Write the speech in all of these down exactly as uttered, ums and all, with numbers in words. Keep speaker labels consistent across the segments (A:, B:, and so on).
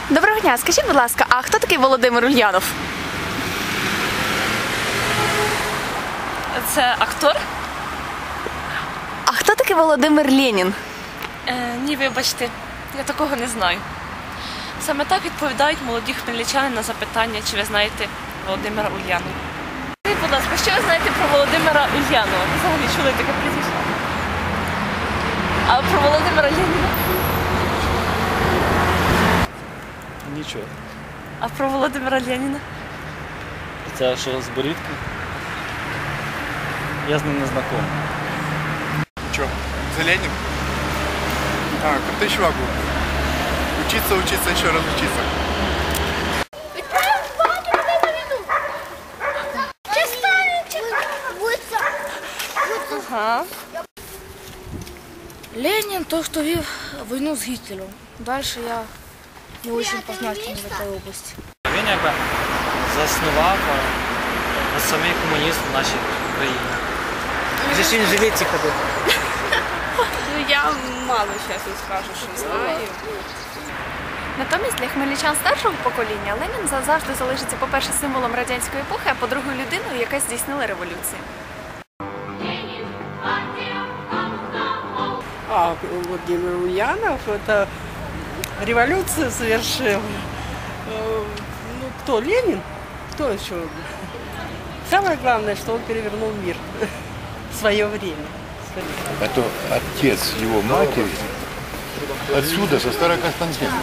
A: Доброго дня, скажіть, будь ласка, а хто такий Володимир Ульянов?
B: Це актор?
A: А хто такий Володимир Ленін?
B: Е, ні, вибачте, я такого не знаю. Саме так відповідають молоді хмельничани на запитання, чи ви знаєте Володимира Ульянова. Скажіть, будь ласка, що ви знаєте про Володимира Ульянова? Ви взагалі чули таке прізвище? А про Володимира Леніна?
C: Нічого.
B: А про Володимира Леніна?
C: Це що з борідки? Я з ним не знайомий.
D: Че, за Ленин? А, крутой чувак был. Учиться, учиться, еще раз учиться.
B: Ага.
E: Ленин то, что вел войну с Гитлером. Дальше я не очень познателен в этой области.
C: Він якби заснував а, самий комунізм в нашій країні. Вже ж він живе ці ходи.
F: Ну, я мало чесно скажу, що знаю.
A: Натомість для хмельничан старшого покоління Ленін завжди залишиться, по-перше, символом радянської епохи, а по-друге, людиною, яка здійснила революцію.
F: А Владимир Ульянов это революцию совершил. Ну, кто, Ленин? Кто еще? Самое главное, что он перевернул мир в свое время.
G: Это отец его матери, отсюда, со Староконстантина.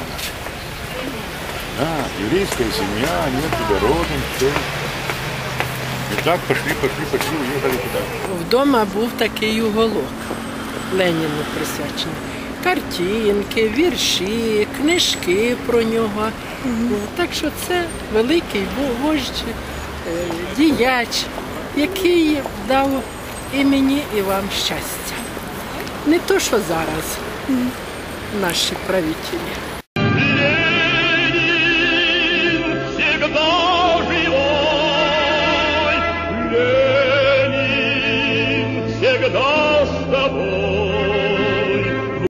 G: Да, еврейская семья, они оттуда родом, все. И так пошли, пошли, пошли, уехали туда.
H: Вдома був такий уголок Леніну присвячений. Картинки, вірші, книжки про нього. Так що це великий вождь, діяч, який дав і мені, і вам щастя. Не то, що зараз наші правителі.